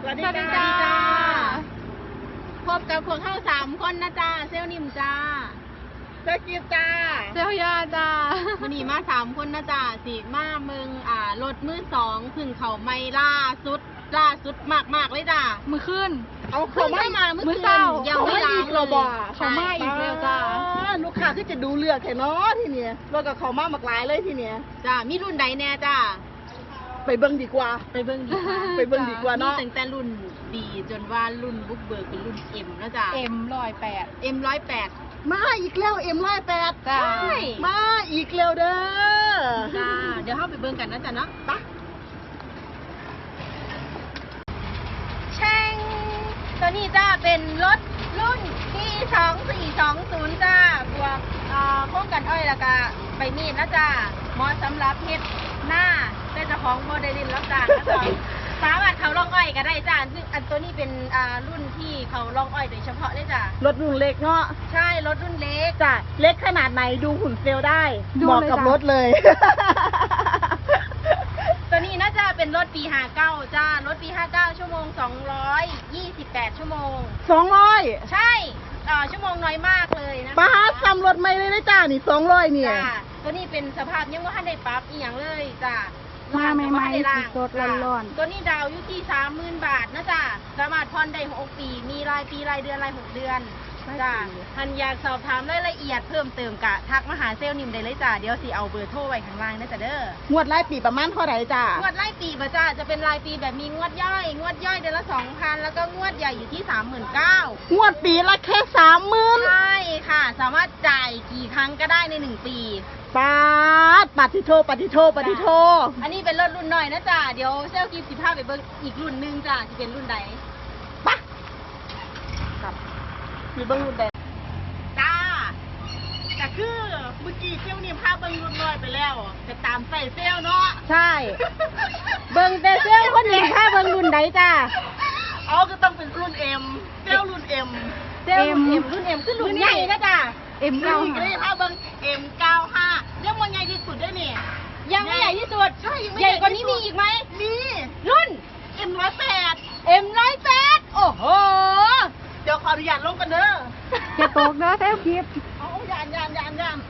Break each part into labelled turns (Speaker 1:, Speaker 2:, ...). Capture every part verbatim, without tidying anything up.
Speaker 1: สวัสดีจ้าพบกับพวกเข้าสามคนนะจ้าเซลนิมจ้าเซลกิฟจ้า
Speaker 2: เซลยาจ้า
Speaker 1: วันนี้มาสามคนนะจ้าสิมาเมืองอ่ารถมือสองพึ่งเขาไม่ล่าสุดล่าสุดมากมากเลยจ้า
Speaker 2: มือขึ้น
Speaker 1: เอาเขาไม่มาเมื่อคืนยังไม่ล้างเลย
Speaker 2: เขาไม่อีกแล้วจ้า
Speaker 1: ลูกค้าที่จะดูเลือกแค่น้อทีเนี้ยรถกับเขามากมากหลายเลยทีเนี้ยจ้ามีรุ่นใดแน่จ้าไปเบิ้งดีกว่าไปเบิ้งดีกว่าไปเบิ้งดีกว่าเนาะตั้งแต่รุ่นดีจนว่ารุ่นบุกเบิกเป็นรุ่นเอ็มแล้วจ้า
Speaker 2: เอ็มร้อยแปด
Speaker 1: เอ็มร้อยแปดมาอีกแล้วเอ็มร้อยแปด
Speaker 2: จ้า
Speaker 1: มาอีกแล้วเด้อจ้าเดี๋ยวเข้าไปเบิ้งกันนะจ้าเนาะปะแช่งตัวนี้จ้าเป็นรถรุ่นที่สองสี่สองศูนย์จ้าบวกโค้งกันอ้อยแล้วก็ใบมีดนะจ้าเหมาะสำหรับเฮ็ดหน้าแต่เจ้าของโมเดลินรับจ้างนะจ๊ะสามารถเขาล่องอ้อยก็ได้จ้าซึ่งอันตัวนี้เป็นอ่ารุ่นที่เขาล่องอ้อยโดยเฉพาะเลยจ้ารถรุ่นเล็กเนาะใช่รถรุ่นเล็กจ้าเล็กขนาดไหนดูหุ่นเซลได้เหมาะกับรถเลยตัวนี้น่าจะเป็นรถปีห้าเก้าจ้ารถปีห้าเก้าชั่วโมงสองร้อยยี่สิบแปดชั่วโมงสองร้อยใช่อ่าชั่วโมงน้อยมากเลยนะป้าซ้ำรถไม่เลยนะจ้านี่สองร้อยเนี่ยตัวนี้เป็นสภาพยังว่าท่านได้ปรับอีกอย่างเลยจ้า
Speaker 2: มาใหม่ๆสดๆร้อน
Speaker 1: ๆตัวนี้ดาวอยู่ที่สามหมื่นบาทนะจ้าสามารถผ่อนได้หกปีมีรายปีรายเดือนรายหกเดือนจ้าท่านอยากสอบถามรายละเอียดเพิ่มเติมกะทักมาหาเซลล์นิมได้เลยจ้าเดี๋ยวสิเอาเบอร์โทรไว้ข้างล่างนะจ้าเด้องวดรายปีประมาณเท่าไหร่จ้างวดรายปีป่ะจ้าจะเป็นรายปีแบบมีงวดย่อยงวดย่อยเดือนละสองพันแล้วก็งวดใหญ่อยู่ที่สามหมื่นเก้างวดปีละแค่สามหมื่นใช่ค่ะสามารถจ่ายกี่ครั้งก็ได้ในหนึ่งปีปาดปฏิโทปฏิโทปฏิโทอันนี้เป็นรถรุ่นหน่อยนะจ้าเดี๋ยวเซลล์กิฟต์สิบห้าไปเบิ่งอีกรุ่นหนึ่งจ้าจะเป็นรุ่นใดปะครับมีเบิ่งรุ่นใดจ้าแต่คือเมื่อกี้เซลล์นี่พาเบิ่งรุ่นน้อยไปแล้วแต่ตามใส่เซลล์เนาะใช่เบิ่งแต่เซลล์คนนี้พาเบิ่งรุ่นใดจ้าเอาก็ต้องเป็นรุ่นเอ็มเซลล์รุ่นเอ็มเซลล์รุ่นเอ็มรุ่นเอ็มคือรุ่นใหญ่นะจ้าเอ็มเก้าห้าถ้าเบิ้งเอ็มเก้าห้ายังมันใหญ่ที่สุดได้เนี่ยยังไม่ใหญ่ที่สุดใช่ยังไม่ใหญ่กว่านี้มีอีกไหมมีรุ่นเอ็มร้อยแปดเอ็มร้อยแปดโอ้โหเดี๋ยวขออนุญาตลงกันเด้อ
Speaker 2: จะตกเนาะเซลคลิป
Speaker 1: เอายานยานยานยาน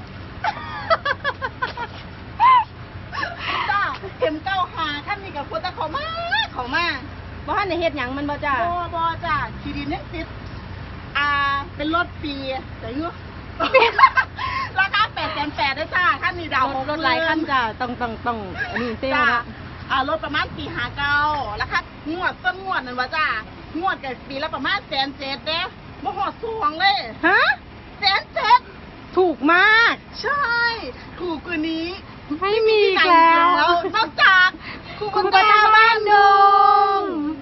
Speaker 1: จ้าเอ็มเก้าห้าท่านมีกับคนตะขอมาขอมาบ่ท่านในเฮ็ดหยังมันบ่จ้าบ่บ่จ้าขีดินเนี่ยติดอ่าเป็นรถปีแต่เงื้อราคาแปดแสนแปดได้จ้าท่านมีดาวรถหลายขั้นจ้าต้องต้องต้องอันนี้เซลล์นะอ่ารถประมาณปีห้าเก้าราคางวดต้นงวดนั่นวะจ้างวดกับปีละประมาณแสนเจ็ดเด้บ่หอดสวงเลยฮะแสนเจ็ดถูกมากใช่ถูกกว่านี้
Speaker 2: ไม่มีแล้ว
Speaker 1: นอกจากคูปตาบ้านดง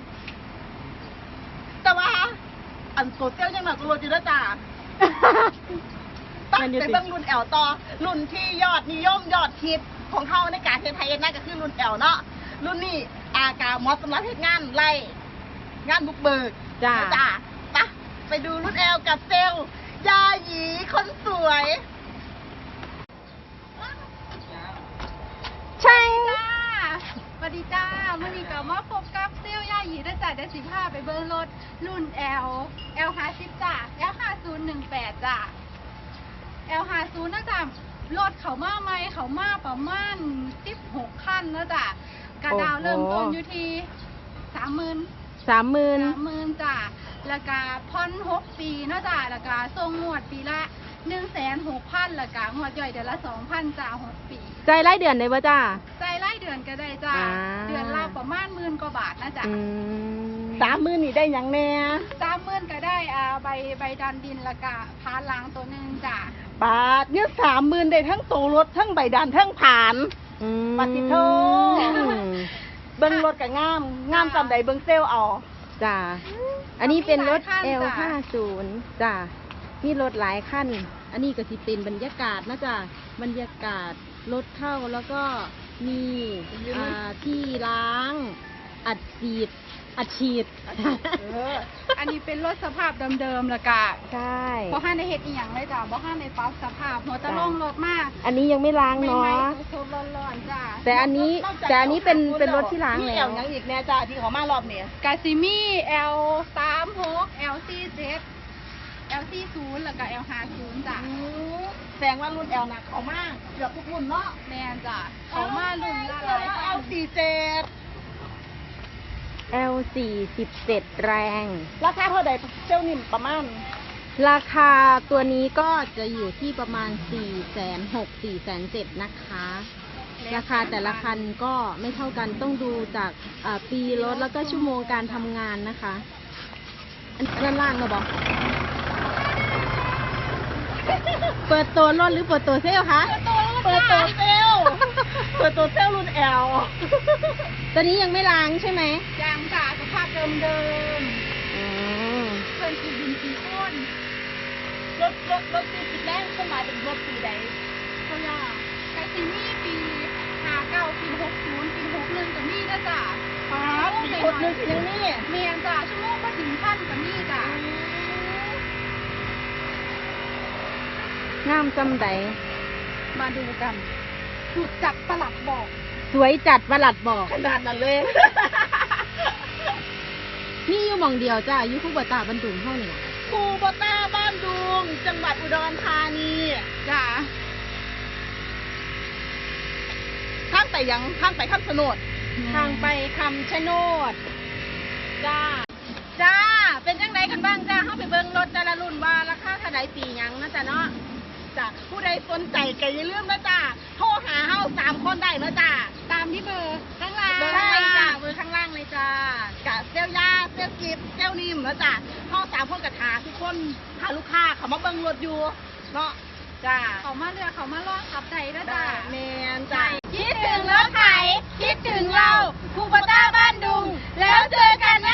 Speaker 1: แต่ว่าอันโซเชียลยังหนักตัวจีแล้วจ้าตั้งแต่เบื้องรุ่นแอลต่อรุ่นที่ยอดนิยมยอดฮิตของเขาในการเทไทยน่าจะคือรุ่นแอลเนาะรุ่นนี้อากาหมอสำหรับเทศงานไล่งานบุกเบิกจ้าจ้าปะไปดูรุ่นแอลกับเซลยาหยีคนสวย
Speaker 2: ใช่จ้าสวัสดีจ้าเมื่อนี้ก็มาพบกับเซลย่าหยีได้จ่ายได้สิบห้าไปเบิ้งรถรุ่น L L ห้าสิบจ้า L ห้าศูนย์หนึ่งแปดจ้า L ห้าศูนย์นะจ้ารถเขามาใหม่เขามาประมาณสิบหกคันนะจ้ากระดาวเริ่มต้นอยู่ที่สามหมื่น
Speaker 1: สามหมื่น
Speaker 2: สามหมื่นจ้าแล้วก็ผ่อนหกปีนะจ้าแล้วก็ส่งงวดปีละหนึ่งแสนหกพันแล้วก็งวดย่อยเดือนละสองพันจ้าหกปี
Speaker 1: ใจไล่เดือนได้ป่ะจ้า
Speaker 2: ใจไล่เดือนก็ได้จ้าเดือนละประมาณหมื่นกว่าบาทนะจ้า
Speaker 1: สามหมื่นนี่ได้ยังแน่
Speaker 2: สามหมื่นก็ได้อ่าใบใบดันดินแล้วก็พานล้างตัวหนึ่งจ้า
Speaker 1: บาทเนี่ยสามหมื่นได้ทั้งตัวรถทั้งใบดันทั้งผ่านปฏิโทเบิ้งรถกับงามงามจำใดเบิ้งเซลเอาจ้าอันนี้เป็นรถ แอล ห้าสิบ จ้ามีรถหลายขั้นอันนี้ก็สิเป็นบรรยากาศนะจ้ะบรรยากาศรถเข้าแล้วก็มีอ่าที่ล้างอัดฉีดอัดฉีด
Speaker 2: เอออันนี้เป็นรถสภาพเดิมๆแล้วก็
Speaker 1: ใช่
Speaker 2: บ่ห้าในเฮ็ดอีหยังเลยจ้ะบ่ห้าในปรับสภาพหัวตะลงรถมาก
Speaker 1: อันนี้ยังไม่ล้างเนาะ
Speaker 2: สดๆร้อนๆจ้ะ
Speaker 1: แต่อันนี้แต่อันนี้เป็นเป็นรถที่ล้าง
Speaker 3: มี
Speaker 1: แล้
Speaker 3: แอ
Speaker 1: ว
Speaker 3: ลยังอีกแน่จ้าที่เขามารอบนี้
Speaker 2: กาซิมี่ แอล สามหก แอล สี่สิบ แอล สี่สิบ แล้วก็ แอล ห้าสิบ จ้ะ
Speaker 3: แสดงว่ารุ่นแอลหนักเขามากเกือบทุกรุ่นเนาะ
Speaker 2: แม่นจ้ะเขามารุ่นละหลาย
Speaker 3: แอลสี่เจ็ด
Speaker 1: แอล สี่สิบเจ็ด แรง
Speaker 3: ราคาเท่าใดเจ้านิ่มประมาณ
Speaker 1: ราคาตัวนี้ก็จะอยู่ที่ประมาณ สี่แสนหก สี่แสนเจ็ด นะคะ ราคาแต่ละคันก็ไม่เท่ากันต้องดูจากอ่าปีรถแล้วก็ชั่วโมงการทำงานนะคะ อันด้านล่างเราบอก เปิดตัวรถหรือเปิดตัวเซลลคะ
Speaker 3: เปิดตัวเซลลเปิดตัวเซลลรุ่นแอล
Speaker 1: ตัวนี้ยังไม่ล้างใช่ไหม
Speaker 2: ยางจ้ะสภาพเดิม
Speaker 1: อืม
Speaker 2: ๆเพิ่นคือดินสีข้น
Speaker 3: รถรถรถปีสิบแรกก็หมายถึงรถปีใด
Speaker 2: เขาอยากกาซิมี่ปีห้าเก้าปีหกศูนย์ปีหกหนึ่งก็มีนะจ้ะ
Speaker 3: อ๋อปีคนหนึงยังนี่
Speaker 2: เมียนจ้ะชั่วโมงก็ถึงพันก็มีจ้ะ
Speaker 1: งามจำใด
Speaker 2: มาดูกันถูกจัดประหลัดบอก
Speaker 1: สวยจัดประหลัดบอก
Speaker 3: ขนาดนั้นเลย
Speaker 1: นี่อยู่หมองเดียวจ้าอยู่คู่บัตตาบรรดุงเท่านี่ล่ะ
Speaker 3: คูโบต้าบ้านดุง จังหวัดอุดรธานี
Speaker 2: จ้ะ
Speaker 3: ข้างไปยังข้างไปข้ามสนด
Speaker 1: ทางไปคำชะโนด จ้า จ้า เป็นจังไดกันบ้างจ้าเข้าไปเบิ่งรถแต่ละรุ่นว่าราคาเท่าใดปีหยังนะจ๊ะเนาะ
Speaker 3: จ้ะผู้ใดสนใจก็อย่าลืมนะจ้าโทรหาเฮาสามคนได้นะจ้า
Speaker 2: ตามที่เบอร์ข้างล่าง
Speaker 3: เบอร์
Speaker 1: ใช่
Speaker 3: ข้างล่าง
Speaker 1: จ้าเบอร์ข้างล่างเลยจ้า
Speaker 3: กะเซลยาเซลกิฟเซลนิมนะจ้าเฮาสามคนกับหาทุกคนหาลูกค้าเขามาเบิ่งรถอยู่เนาะจ้า
Speaker 2: เขามาเรือเขามาล่องขับใจนะ
Speaker 3: จ้า
Speaker 2: จ้ะ
Speaker 3: แมนจ้า
Speaker 1: คิดถึงรถไถคิดถึงเราคูปต้าบ้านดุง แล้วเจอกันนะ